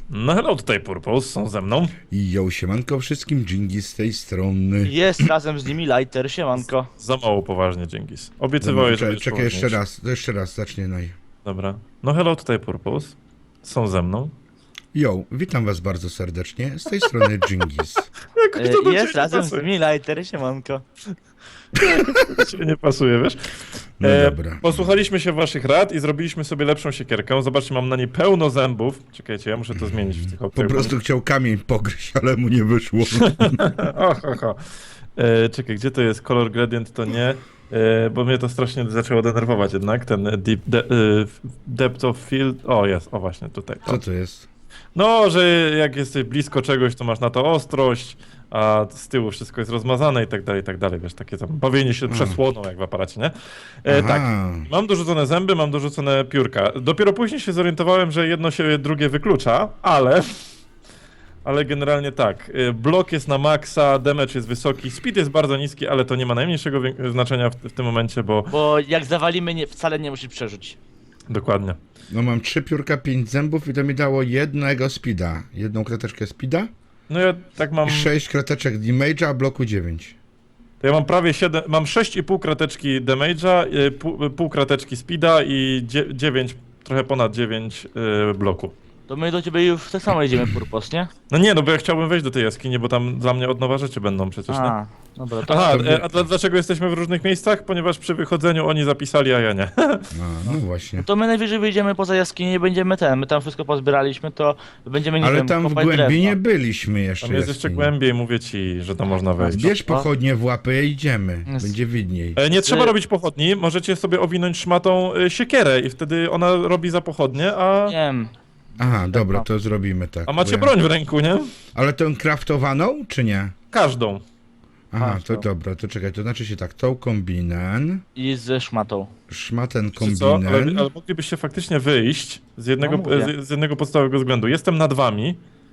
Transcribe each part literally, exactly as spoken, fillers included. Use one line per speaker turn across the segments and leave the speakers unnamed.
No hello, tutaj Purpose, są ze mną.
I jo, siemanko wszystkim, Dżingi z tej strony.
Jest razem z nimi Lighter, siemanko.
Za mało poważnie, Dzięgis. Obiecywałeś, że
Czekaj,
będziesz
czekaj jeszcze
poważniejszy.
raz, to jeszcze raz, zacznie naj.
Dobra. No hello, tutaj Purpose. Są ze mną.
Jo, witam was bardzo serdecznie, z tej strony Dżingis.
Jakoś to do
E, Jest
ciebie
razem
nie
z
pasuje.
nimi Lighter, siemanko.
Do ciebie nie pasuje, wiesz?
No
E,
dobra.
Posłuchaliśmy się waszych rad i zrobiliśmy sobie lepszą siekierkę. Zobaczcie, mam na niej pełno zębów. Czekajcie, ja muszę to zmienić w tych
Po
opcjach.
prostu chciał kamień pogryźć, ale mu nie wyszło.
Och, och, och. E, czekaj, gdzie to jest? Color gradient to nie. E, bo mnie to strasznie zaczęło denerwować jednak, ten deep de, e, depth of field. O, jest, o właśnie, tutaj.
Co to jest?
No, że jak jesteś blisko czegoś, to masz na to ostrość, a z tyłu wszystko jest rozmazane i tak dalej, i tak dalej, wiesz, takie tam bawienie się przesłoną jak w aparacie, nie? E, tak,
Aha.
mam dorzucone zęby, mam dorzucone piórka. Dopiero później się zorientowałem, że jedno się drugie wyklucza, ale... Ale generalnie tak, y, blok jest na maksa, damage jest wysoki, speed jest bardzo niski, ale to nie ma najmniejszego wię- znaczenia w, w tym momencie, bo...
Bo jak zawalimy, nie, wcale nie musisz przeżyć.
Dokładnie.
No mam trzy piórka, pięć zębów i to mi dało jednego speeda. Jedną krateczkę speeda
No ja tak mam...
i sześć krateczek damage'a, a bloku dziewięć.
To ja mam prawie siedem, mam sześć i pół krateczki damage'a, y, pół, pół krateczki speeda i dzie- dziewięć, trochę ponad dziewięć y, bloku.
To my do ciebie już tak samo jedziemy, Purpos, nie?
No nie, no bo ja chciałbym wejść do tej jaskini, bo tam dla mnie od nowa rzeczy będą przecież, nie?
A, dobra, to
Aha,
to-
e, a dla- dlaczego jesteśmy w różnych miejscach? Ponieważ przy wychodzeniu oni zapisali, a ja nie.
A, no właśnie.
to my najwyżej wyjdziemy poza jaskinię i będziemy ten, my tam wszystko pozbieraliśmy, to będziemy, nie
Ale
wiem,
tam w
kopać
głębi nie
drewno.
byliśmy jeszcze.
Tam jest jeszcze
jaskini.
głębiej, mówię ci, że tam można wejść.
Bierz pochodnie w łapy i idziemy.
Jest.
Będzie widniej.
E, Nie trzeba
Ty-
robić pochodni, możecie sobie owinąć szmatą y, siekierę i wtedy ona robi za pochodnie, a,
Nie wiem,
Aha, dobra, to zrobimy tak.
a macie
bo ja-
broń w ręku, nie?
Ale tę craftowaną, czy nie?
Każdą.
Aha,
A,
to
to-
dobra, to czekaj, to znaczy się tak, tą kombinen,
i ze szmatą.
szmaten
Wiecie co? Ale,
kombinen,
ale moglibyście faktycznie wyjść z jednego,
No mówię.
z, z jednego podstawowego względu. Jestem nad wami,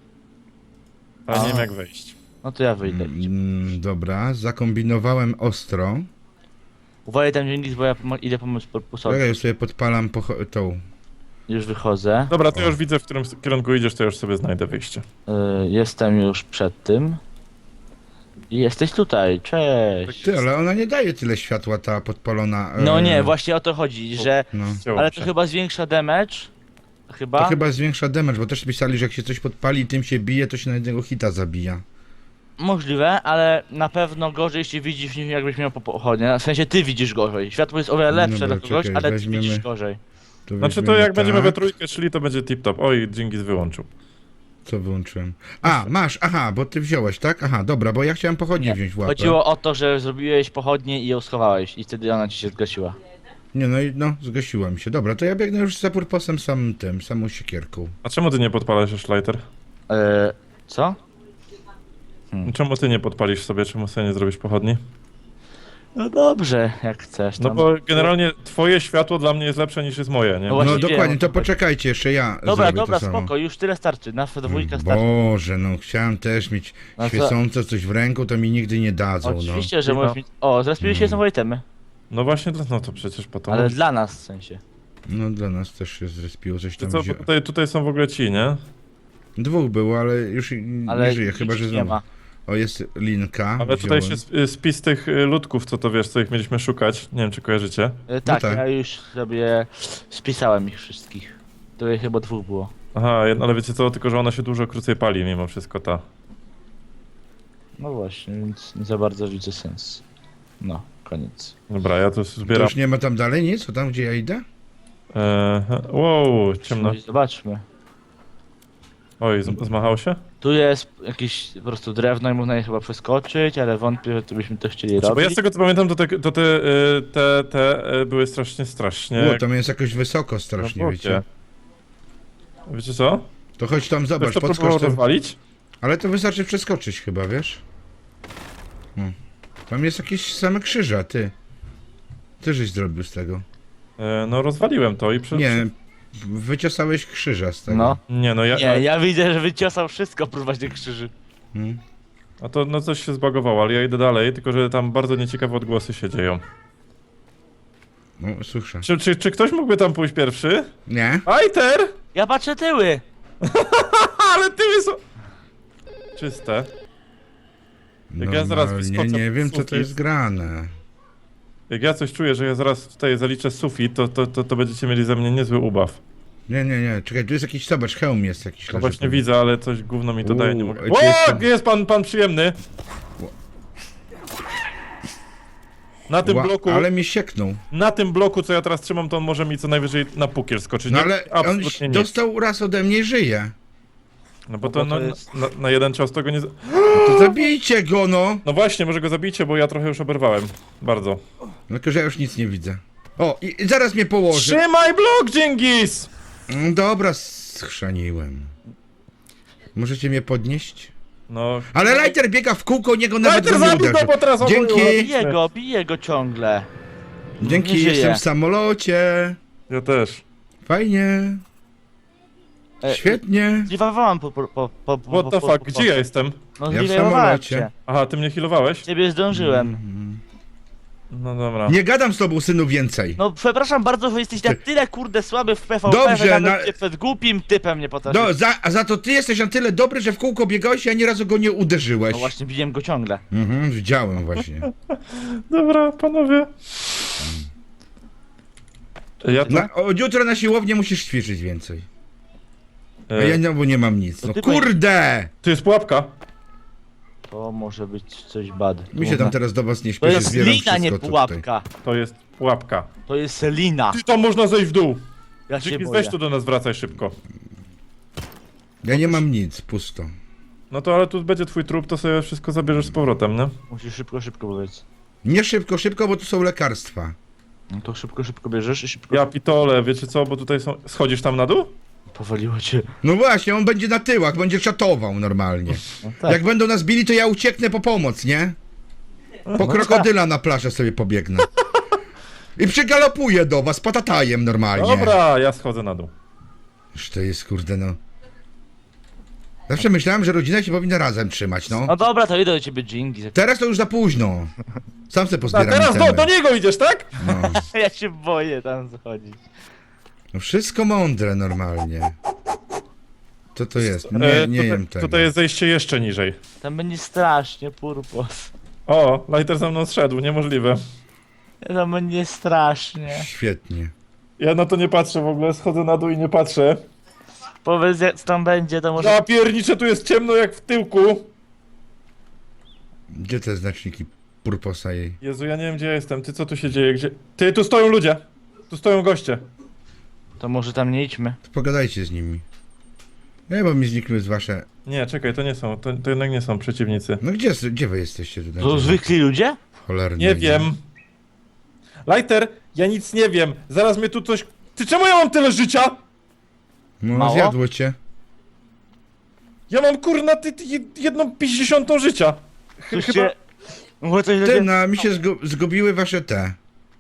ale nie
A.
wiem jak wejść.
No to ja wyjdę.
mm, dobra, zakombinowałem ostro,
Uważaj tam dzięki, bo ja pomo- idę pomóc Purposowi.
czekaj, już sobie podpalam pocho- tą,
Już wychodzę.
Dobra, to ja
O.
już widzę, w którym kierunku idziesz, to już sobie znajdę wyjście.
Y, jestem już przed tym. I jesteś tutaj, cześć.
ty, ale ona nie daje tyle światła, ta podpalona.
No
e,
nie, właśnie o to chodzi, że...
No.
Chciało
Ale
się.
to chyba zwiększa damage. Chyba?
To chyba zwiększa damage, bo też pisali, że jak się coś podpali i tym się bije, to się na jednego hita zabija.
Możliwe, ale na pewno gorzej jeśli widzisz niż jakbyś miał po pochodnie. W sensie ty widzisz gorzej. Światło jest o wiele lepsze
Dobra,
dla kogoś,
czekaj,
ale ty
weźmiemy-
widzisz gorzej.
To
Znaczy to
weźmiemy
jak będziemy we
tak.
trójkę szli, to będzie tip-top. Oj, Dżingis wyłączył.
Co wyłączyłem? A, masz, aha, bo ty wziąłeś, tak? Aha, dobra, bo ja chciałem pochodnie
Nie,
wziąć w łapę.
chodziło o to, że zrobiłeś pochodnie i ją schowałeś i wtedy ona ci się zgasiła.
Nie, no i no, zgasiła mi się. Dobra, to ja biegnę już za purposem samym tym, samą siekierką.
A czemu ty nie podpalasz już lighter?
Eee, co?
Czemu ty nie podpalisz sobie, czemu sobie nie zrobisz pochodni?
No dobrze, jak chcesz.
No
Tam.
bo generalnie twoje światło dla mnie jest lepsze niż jest moje, nie?
No
No
właśnie
dokładnie,
wiem,
to
o co chodzi.
poczekajcie, jeszcze ja
Dobra,
zrobię
dobra,
to samo.
spoko, już tyle starczy. Nasza dwójka starczy.
Boże, no chciałem też mieć
No co?
świecące coś w ręku, to mi nigdy nie dadzą, no.
Oczywiście, że
No.
możesz mieć... O, zrespiły się
Mm.
znowu itemy.
No właśnie, to- no to przecież po to.
Ale
masz.
dla nas w sensie.
No dla nas też się zrespiło coś
Czy
tam
co,
wzię...
bo tutaj, tutaj są w ogóle ci, nie?
Dwóch było, ale już i-
Ale
nie żyje, chyba że
nic nie
znowu.
ma.
O, jest linka.
Ale tutaj
wziąłem.
się sp- spis tych y, ludków, co to wiesz, co ich mieliśmy szukać. Nie wiem, czy kojarzycie.
E, tak,
tak.
ja już sobie spisałem ich wszystkich. To je chyba dwóch było.
Aha, jedno- ale wiecie co, tylko że ona się dużo krócej pali mimo wszystko ta.
No właśnie, więc nie za bardzo widzę sens. No, koniec.
Dobra, ja tu
To
zbieram.
już nie ma tam dalej nic? O tam, gdzie ja idę?
E, wow, ciemno.
Musimy- Zobaczmy.
Oj, z- zmachał się?
Tu jest jakieś po prostu drewno i można je chyba przeskoczyć, ale wątpię, że to byśmy to chcieli
Znaczy, bo
robić.
ja z tego co pamiętam, to te, to te, y, te, te y, były strasznie, strasznie...
O, tam jest jakoś wysoko strasznie,
na
wiecie.
bocie. Wiecie co?
To chodź tam,
Ktoś
zobacz,
to próbował
podskocz tam.
rozwalić?
Ale to wystarczy przeskoczyć chyba, wiesz? Hmm. Tam jest jakieś same krzyża, ty. Ty żeś zrobił z tego.
E, no rozwaliłem to i przy...
Nie, wyciosałeś krzyża z tego.
No.
Nie, no ja...
Nie, ja widzę, że wyciosał wszystko próbować tych krzyży.
Hmm.
A to no coś się zbagowało, ale ja idę dalej, tylko że tam bardzo nieciekawe odgłosy się dzieją.
No, słyszę.
Czy, czy, czy ktoś mógłby tam pójść pierwszy?
Nie?
Ajter!
Ja patrzę tyły!
wysoko. Czyste. Jak ja zaraz
Normalnie
wyskoczę
nie
pod
wiem, co to
sufit.
jest grane.
Jak ja coś czuję, że ja zaraz tutaj zaliczę sufit, to, to, to, to będziecie mieli ze mnie niezły ubaw.
Nie, nie, nie, czekaj, tu jest jakiś, zobacz, hełm jest jakiś.
No
leży
właśnie
tu.
widzę, ale coś gówno mi to daje, nie
Uuu,
mogę...
ej, tu
O,
jest tam-
jest pan, pan przyjemny! Na tym
Ła,
bloku,
ale mnie sieknął.
na tym bloku, co ja teraz trzymam, to on może mi co najwyżej na pukiel skoczyć.
No
Nie,
ale on
absolutnie nic.
dostał raz ode mnie i żyje.
No bo
No
to,
bo
no,
to jest-
na, na jeden cios tego nie... z-
To zabijcie go, no!
No właśnie, może go zabijcie, bo ja trochę już oberwałem. Bardzo.
No tylko, że ja już nic nie widzę. O, i i zaraz mnie położy.
Trzymaj blok, Dżingis!
Mm, Dobra, schrzaniłem. Możecie mnie podnieść?
No...
Ale Lighter biega w kółko, niego nawet
Lighter
go nie
zabij go,
uderzy.
bo teraz
Dzięki.
oboje-
Bije go, bije go ciągle.
Dzięki,
Nie żyje.
jestem w samolocie.
Ja też.
Fajnie.
E,
Świetnie.
Zliwawałam po, po, po, po, po,
What the
po,
fuck,
po,
gdzie ja jestem?
No
Ja w
zliwawałem
samolocie.
cię.
Aha, ty mnie healowałeś?
Ciebie zdążyłem.
No dobra.
Nie gadam z tobą, synu, więcej.
No przepraszam bardzo, że jesteś na tyle kurde słaby w P V P,
Dobrze,
że nawet
na-
cię przed głupim typem nie potrafisz.
No, za, a za to ty jesteś na tyle dobry, że w kółko biegałeś i ani razu go nie uderzyłeś.
No właśnie, bijem go ciągle.
Mhm, widziałem właśnie.
Dobra, panowie. Ja to...
Na, od jutra na siłownię musisz ćwiczyć więcej. A
E,
ja no, bo nie mam nic.
To
No
ty
kurde!
Tu jest pułapka.
To może być coś bad.
Mi się tam teraz do was nie
To
śpieszy,
jest
zbieram
lina, nie
wszystko co tutaj.
pułapka.
To jest pułapka.
To jest lina.
Ty tam można zejść w dół.
Ja się
Dżingis,
boję.
weź tu do nas, wracaj szybko.
Ja nie mam nic, pusto.
No to ale tu będzie twój trup, to sobie wszystko zabierzesz z powrotem, nie?
Musisz szybko, szybko powiedzieć.
Nie szybko, szybko, bo tu są lekarstwa.
No to szybko, szybko bierzesz i szybko...
Ja pitole, wiecie co, bo tutaj są... Schodzisz tam na dół?
Powaliło cię.
No właśnie, on będzie na tyłach, będzie czatował normalnie.
No tak.
Jak będą nas bili, to ja ucieknę po pomoc, nie? Po krokodyla na plażę sobie pobiegnę. I przygalopuję do was, patatajem normalnie.
Dobra, ja schodzę na dół.
Już to jest, kurde, no. Zawsze myślałem, że rodzina się powinna razem trzymać, no.
No dobra, to idę do ciebie, Dżingis.
Teraz to już za późno. Sam se
A
pozbieram
teraz do,
itemy.
do niego idziesz, tak?
No.
Ja się boję tam zachodzić.
No wszystko mądre normalnie. Co to jest? Nie,
E,
nie
tutaj,
jem tego.
tutaj jest zejście jeszcze niżej.
Tam będzie strasznie, purpos.
O, Lighter za mną zszedł, niemożliwe.
Tam będzie strasznie.
Świetnie.
Ja na to nie patrzę w ogóle, schodzę na dół i nie patrzę.
Powiedz jak tam będzie, to może...
Ja pierniczę, tu jest ciemno jak w tyłku.
Gdzie te znaczniki purposa jej?
Jezu, ja nie wiem gdzie ja jestem, ty co tu się dzieje, gdzie... Ty, tu stoją ludzie! Tu stoją goście.
To może tam nie idźmy.
To pogadajcie z nimi. Nie, bo mi znikły z wasze...
Nie, czekaj, to nie są, to, to jednak nie są przeciwnicy.
No gdzie, gdzie wy jesteście tutaj?
To zwykli ludzie?
Cholerny.
Nie wiem. Lighter, ja nic nie wiem. Zaraz mnie tu coś... Ty czemu ja mam tyle życia?
No,
Mało?
zjadło cię.
Ja mam kurna ty, ty jed- jedną pięćdziesiątą życia. Ch
Coś
chyba...
cię... Może coś
Ty,
ludzie...
no, mi się zgu zgubiły wasze te.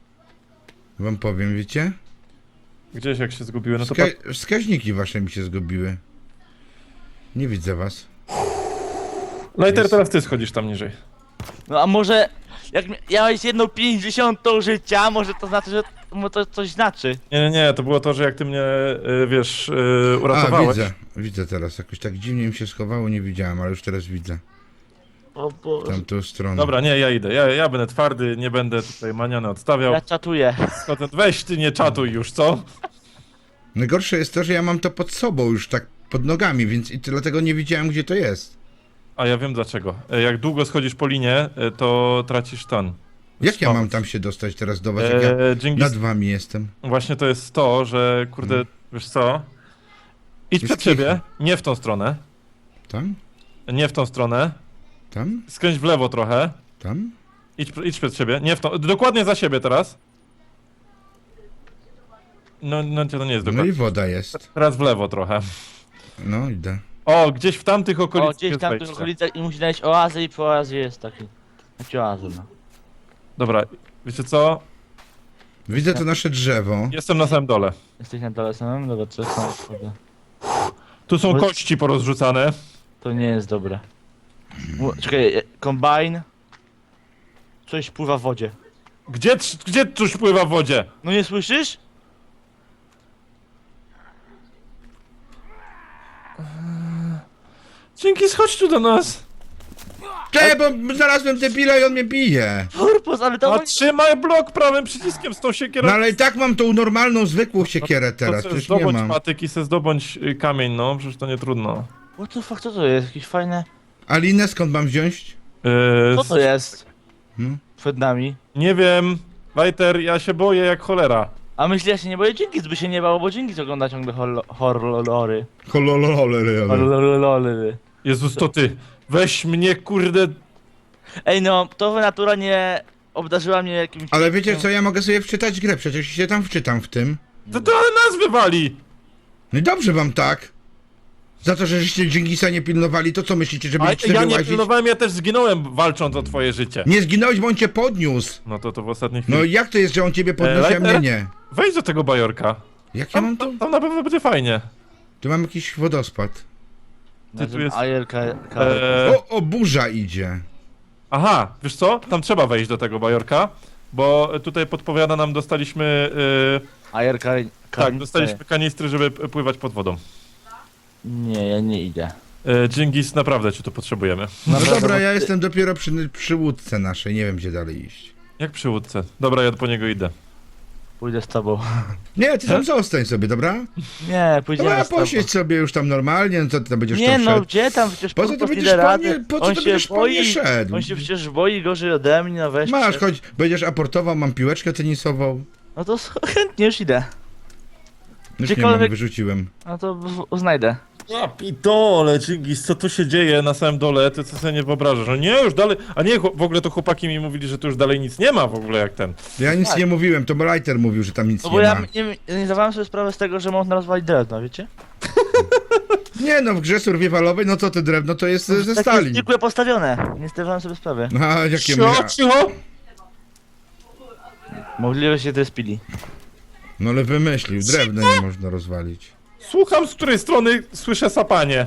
Wam powiem, wiecie?
Gdzieś jak się zgubiły, no to
Wska
patrz.
wskaźniki wasze mi się zgubiły. Nie widzę was.
Lighter,
jest-
teraz ty schodzisz tam niżej.
No a może... Jak mi- miałeś jedną pięćdziesiątą życia, może to znaczy, że... Może to coś znaczy.
Nie, nie, nie, to było to, że jak ty mnie, y, wiesz, y,
A,
uratowałeś.
widzę. Widzę teraz. Jakoś tak dziwnie mi się schowało, nie widziałem, ale już teraz widzę.
O Boże.
Tamtą stronę.
Dobra, nie, ja idę. Ja, ja będę twardy, nie będę tutaj maniony odstawiał.
Ja czatuję.
Schodzę. Weź ty nie czatuj już, co?
Najgorsze jest to, że ja mam to pod sobą już tak pod nogami, więc i dlatego nie widziałem, gdzie to jest.
A ja wiem dlaczego. E, Jak długo schodzisz po linie, e, to tracisz tan.
Jak ja
Spoko.
mam tam się dostać teraz do was, jak ja
E, Dżingis,
nad wami jestem?
właśnie to jest to, że kurde,
Hmm.
wiesz co? Idź
Jest
przed siebie,
kicha.
nie w tą stronę,
Tam?
nie w tą stronę,
Tam?
skręć w lewo trochę,
Tam?
idź, idź przed siebie, nie w tą, dokładnie za siebie teraz. No, no to nie jest
No
dokładnie.
i woda jest.
Teraz w lewo trochę.
No idę.
O, gdzieś w tamtych
O,
okolicach
gdzieś
jest
tam w tych
wejście.
okolicach i musi znaleźć oazę i przy oazie jest taki... Jaki oazy, no.
Dobra, wiecie co?
Widzę to nasze drzewo.
Jestem na samym dole.
Jesteś na dole samym? Dobra, co jest na...
Tu są
Bo-
kości porozrzucane.
To nie jest dobre. Mu- Czekaj, e, kombajn. Coś pływa w wodzie.
Gdzie, trz- gdzie coś pływa w wodzie?
No nie słyszysz?
Dzięki, schodź tu do nas.
Czekaj, bo znalazłem debila i on mnie bije.
Purpos, ale to...
A trzymaj blok prawym przyciskiem z tą siekierą.
No ale i tak mam tą normalną, zwykłą siekierę teraz,
to
przecież nie
zdobądź
mam.
patyk i se zdobądź y, kamień, no, przecież to nie trudno.
What the fuck, co to jest? Jakieś fajne...
A linę skąd mam wziąć?
Yy,
Co to jest?
Hmm?
Przed nami.
Nie wiem, Lighter, ja się boję jak cholera.
A myślę, ja się nie boję, Dzięki by się nie bało, bo Dzięki ogląda ciągle horror- horrory.
Hololololololol.
Horrory.
Jezus, to ty. Weź mnie, kurde.
Ej no, to natura nie obdarzyła mnie jakimś...
Ale wiecie co, ja mogę sobie wczytać grę, przecież się tam wczytam w tym.
To to ale nas wywali.
No i dobrze wam tak. Za to, że żeście Dżingisa nie pilnowali, to co myślicie, że
A
będziecie
ja
sobie
nie
łazić?
pilnowałem, ja też zginąłem walcząc o twoje życie.
Nie zginąłeś, bo on cię podniósł.
No to to w ostatniej chwili.
No i jak to jest, że on ciebie podnosi, a mnie
Lighter?
nie?
Wejdź do tego bajorka.
Jak ja mam
Tam,
to?
tam na pewno będzie fajnie.
Tu mam jakiś wodospad.
Ty tu jest-
Ajerka...
Eee,
O, o, burza idzie.
aha, wiesz co? Tam trzeba wejść do tego bajorka. Bo tutaj podpowiada nam, dostaliśmy... Yy,
Ajerka...
tak, dostaliśmy kanistry, żeby p- pływać pod wodą.
Nie, ja nie idę.
Yy, Dżingis, naprawdę cię tu potrzebujemy.
No
Naprawdę,
dobra,
bo
ja
ty-
jestem dopiero przy, przy łódce naszej, nie wiem gdzie dalej iść.
Jak przy łódce. Dobra, ja po niego idę.
Pójdę z tobą.
Nie, ty tam zostań sobie, dobra?
Nie, pójdziemy
Dobra,
z tobą.
posiedź sobie już tam normalnie, no to ty tam będziesz
Nie
tam
no,
szedł.
gdzie tam przecież
Po co
Purpos
to
nie
będziesz
da
po
rady.
mnie- po co
On
to
się
będziesz po mnie
boi,
szedł?
on się przecież boi gorzej ode mnie, no weź.
Masz,
przecież-
chodź, będziesz aportował, mam piłeczkę tenisową.
No to chętnie już idę.
Już nie
Gdziekolwiek-
mam, wyrzuciłem.
No to w- znajdę.
Ja pitole, Dżingis, co tu się dzieje na samym dole? Ty co sobie nie wyobrażasz? No nie, już dalej... A nie, chłop- w ogóle to chłopaki mi mówili, że tu już dalej nic nie ma w ogóle jak ten.
Ja nic
Tak.
nie mówiłem, to Lighter mówił, że tam nic
No
nie
bo ja
ma.
nie, nie zdawałem sobie sprawy z tego, że można rozwalić drewno, wiecie?
Nie no, w grze survivalowej, no to te drewno to jest e, ze
Takie
stali.
zwykłe postawione. Nie zdawałem sobie sprawy.
A jakie
Cicho,
mnie...
cicho!
Możliwe się to spili.
No ale wymyślił, drewno nie można rozwalić.
Słucham, z której strony słyszę sapanie.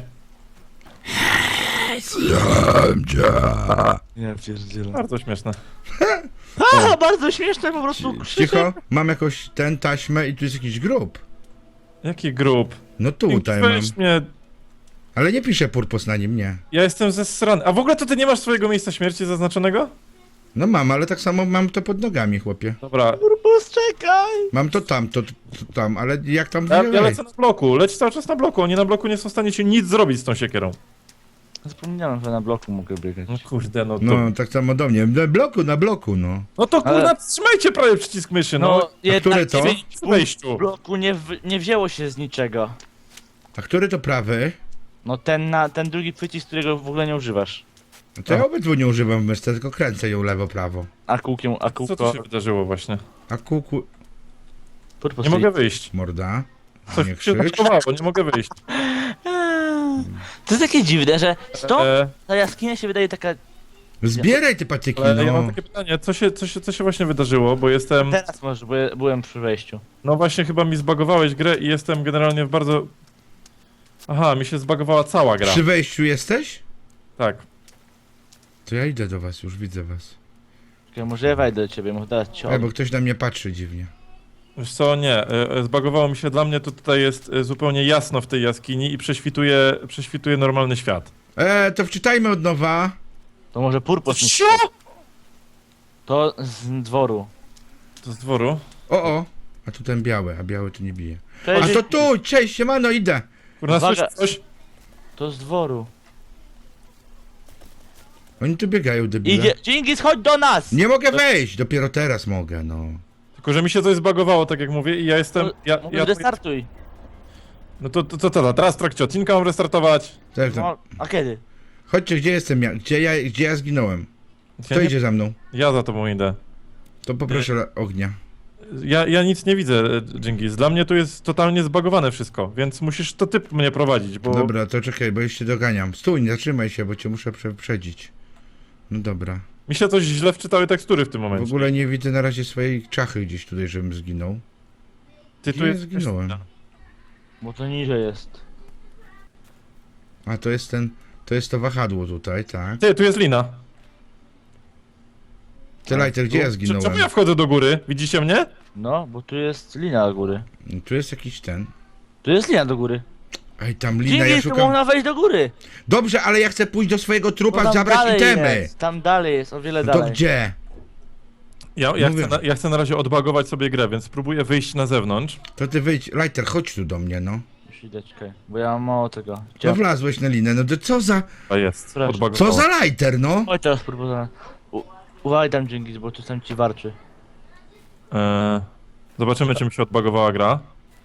Nie pierdzielę.
Bardzo śmieszne.
A, bardzo śmieszne po prostu.
Cicho, mam jakąś ten taśmę i tu jest jakiś grób.
Jaki grób?
No tutaj mam.
Weź mnie...
Ale nie pisze Purpos na nim, nie.
Ja jestem zesrany. A w ogóle to ty nie masz swojego miejsca śmierci zaznaczonego?
No mam, ale tak samo mam to pod nogami, chłopie.
Dobra,
Purpos, czekaj!
Mam to tam, to, to tam, ale jak tam
ja, ja
wziąłeś?
lecę na bloku. Leć cały czas na bloku. Oni na bloku nie są w stanie ci nic zrobić z tą siekierą.
Zapomniałem, że na bloku mogę biegać.
No kurde, no to...
No, tak samo do mnie. Na bloku, na bloku, no.
No to
Ale-
kurna, trzymajcie prawie przycisk myszy, no.
No, jednak
które to?
ciebie
W wejściu.
w bloku nie, w, nie wzięło się z niczego.
A który to prawy?
No ten na ten drugi przycisk, którego w ogóle nie używasz.
No to ja obydwu nie używam w myszce, tylko kręcę ją lewo, prawo.
A kółkiem, a
Co tu
kółko...
się wydarzyło właśnie?
A kuku...
Purpos,
Nie mogę wyjść.
Morda.
Coś
Nie
mi się
krzycz.
zachowało, nie mogę wyjść.
To jest takie dziwne, że stąd
E,
ta jaskinia się wydaje taka...
Zbieraj te patyki,
ale ja mam
no.
takie pytanie, co się, co, się, co się właśnie wydarzyło, bo jestem...
Teraz może, bo ja byłem przy wejściu.
No właśnie chyba mi zbagowałeś grę i jestem generalnie w bardzo... Aha, mi się zbagowała cała gra.
Przy wejściu jesteś?
Tak.
To ja idę do was, już widzę was.
Okej, może ja wejdę do ciebie, może dać ci
Ej, bo ktoś na mnie patrzy dziwnie.
Wiesz co, nie, e, e, zbagowało mi się, dla mnie to tutaj jest e, zupełnie jasno w tej jaskini i prześwituje, prześwituje normalny świat.
Eee, to wczytajmy od nowa.
To może Purpos mi...
Cio!
To z dworu.
To z dworu.
O, o. A tu ten biały, a biały tu nie bije.
Cześć,
A to tu, cześć, siemano, idę.
Kurna,
Uwaga.
słyszysz coś?
To z dworu.
Oni tu biegają, debile.
Idzie... Dżingis, chodź do nas!
Nie mogę wejść, dopiero teraz mogę, no.
Tylko, że mi się coś zbagowało, tak jak mówię i ja jestem... Ja,
Może
ja,
restartuj.
no to to, to, to, teraz w trakcie odcinka mam restartować.
Tak, tak.
No, a kiedy?
Chodźcie, gdzie jestem ja? Gdzie ja, gdzie ja zginąłem? Kto
Ja, nie,
idzie za mną?
ja za tobą idę.
To poproszę ognia.
Ja, ja nic nie widzę, e, Dżingis. Dla mnie tu jest totalnie zbagowane wszystko, więc musisz to ty mnie prowadzić, bo...
Dobra, to czekaj, bo jeszcze doganiam. Stój, nie zatrzymaj się, bo cię muszę przeprzedzić. No dobra.
Mi się coś źle wczytały tekstury w tym
W
momencie.
ogóle nie widzę na razie swojej czachy gdzieś tutaj, żebym zginął.
Ty
Gdzie
tu
ja
jest...
zginąłem?
Bo to niżej jest.
A to jest ten, to jest to wahadło tutaj, tak.
Ty, tu jest lina.
Ty, Lighter, gdzie ja
Cz-
zginąłem?
Czemu ja wchodzę do góry? Widzicie mnie?
No, bo tu jest linia do góry.
Tu jest jakiś ten.
Tu jest linia do góry.
Ej, tam lina, ja
Dzięki, tu
szukam...
można wejść do góry.
Dobrze, ale ja chcę pójść do swojego
No
trupa,
tam
zabrać
dalej
itemy.
jest, tam dalej jest, o wiele
No to
dalej.
gdzie?
Ja, ja,
Mówię.
chcę na, ja chcę na razie odbagować sobie grę, więc spróbuję wyjść na zewnątrz.
To ty wyjdź, Lighter, chodź tu do mnie, no.
Już idę, czekaj, bo ja mam mało tego.
To
Gdzie?
wlazłeś na linę, no to co za...
A jest,
Proszę.
odbagowało.
Co za Lighter, no?
Oj, teraz próbuję. U- Uważaj tam, dzięki, bo tu tam ci warczy.
Eee, zobaczymy, czy mi się odbagowała gra.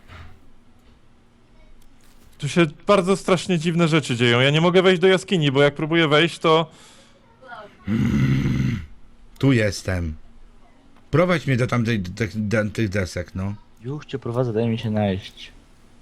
Tu się bardzo strasznie dziwne rzeczy dzieją. Ja nie mogę wejść do jaskini, bo jak próbuję wejść, to...
Tu jestem. Prowadź mnie do tamtej, do tych, do tych desek, no.
Już cię prowadzę, daj mi się najeść.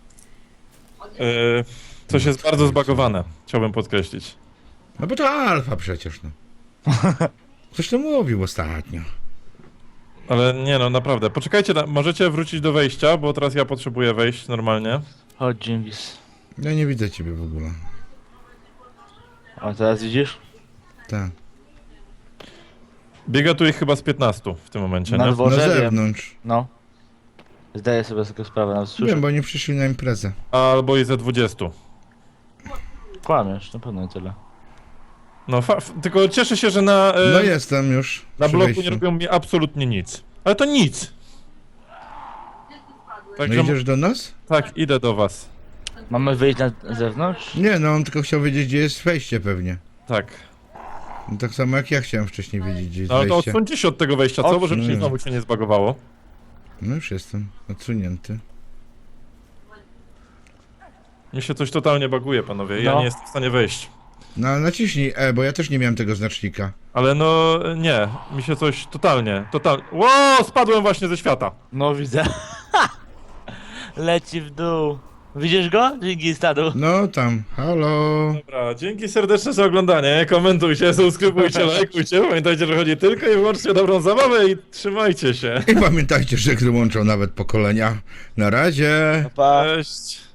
Eee, coś jest bardzo zbagowane, chciałbym podkreślić.
No bo to alfa przecież, no. Ktoś to mówił ostatnio.
Ale nie no, naprawdę. Poczekajcie, na... możecie wrócić do wejścia, bo teraz ja potrzebuję wejść normalnie.
Chodź, Dżingis.
Ja nie widzę ciebie w ogóle.
A teraz widzisz?
Tak.
Biega tu ich chyba z piętnastu w tym momencie,
Na
nie?
dworze,
Na
wiem.
zewnątrz.
No. Zdaję sobie z tego sprawę, nawet słyszę.
Wiem, bo nie przyszli na imprezę.
Albo i ze dwudziestu.
Kłamiesz, na pewno nie tyle.
No, fa- f- tylko cieszę się, że na, e,
No jestem już.
na
przy
bloku nie
wejściu.
robią mi absolutnie nic. Ale to nic!
No
Także,
idziesz do nas?
tak, idę do was.
Mamy wyjść na zewnątrz?
Nie, no on tylko chciał wiedzieć, gdzie jest wejście pewnie.
Tak.
No, tak samo jak ja chciałem wcześniej wiedzieć, gdzie jest
No ale to
wejście.
odsuńcie się od tego wejścia, co? Bo żeby się
Odsuń.
znowu się nie zbagowało.
No już jestem odsunięty.
Mi się coś totalnie baguje, panowie. Ja
No.
nie jestem w stanie wejść.
No ale naciśnij E, bo ja też nie miałem tego znacznika.
Ale no, nie. Mi się coś totalnie, totalnie... Ło, spadłem właśnie ze świata.
No widzę. Leci w dół. Widzisz go? Dzięki stadu.
No tam, halo.
Dobra, dzięki serdeczne za oglądanie. Komentujcie, subskrybujcie, lajkujcie. Pamiętajcie, że chodzi tylko i wyłącznie o dobrą zabawę i trzymajcie się.
I pamiętajcie, że gry łączą nawet pokolenia. Na razie.
Pa.
Cześć.